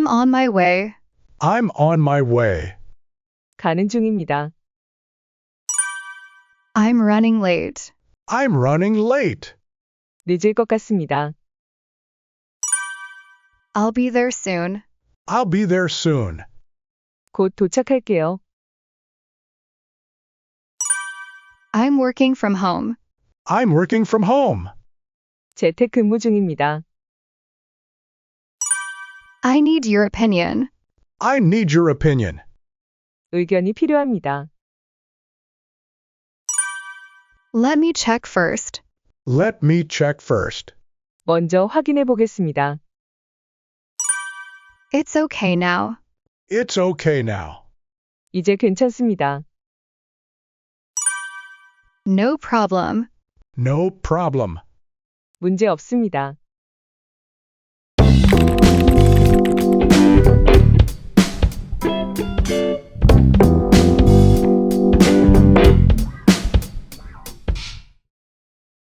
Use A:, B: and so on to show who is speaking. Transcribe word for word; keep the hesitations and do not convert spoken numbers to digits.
A: I'm on my way.
B: I'm on my way.
C: 가는 중입니다.
A: I'm running late.
B: I'm running late.
C: 늦을 것 같습니다.
A: I'll be there soon.
B: I'll be there soon.
C: 곧 도착할게요.
A: I'm working from home.
B: I'm working from home.
C: 재택근무 중입니다.
A: I need your opinion.
B: I need your opinion.
C: 의견이 필요합니다.
A: Let me check first.
B: Let me check first.
C: 먼저 확인해 보겠습니다.
A: It's okay now.
B: It's okay now.
C: 이제 괜찮습니다.
A: No problem.
B: No problem.
C: 문제 없습니다.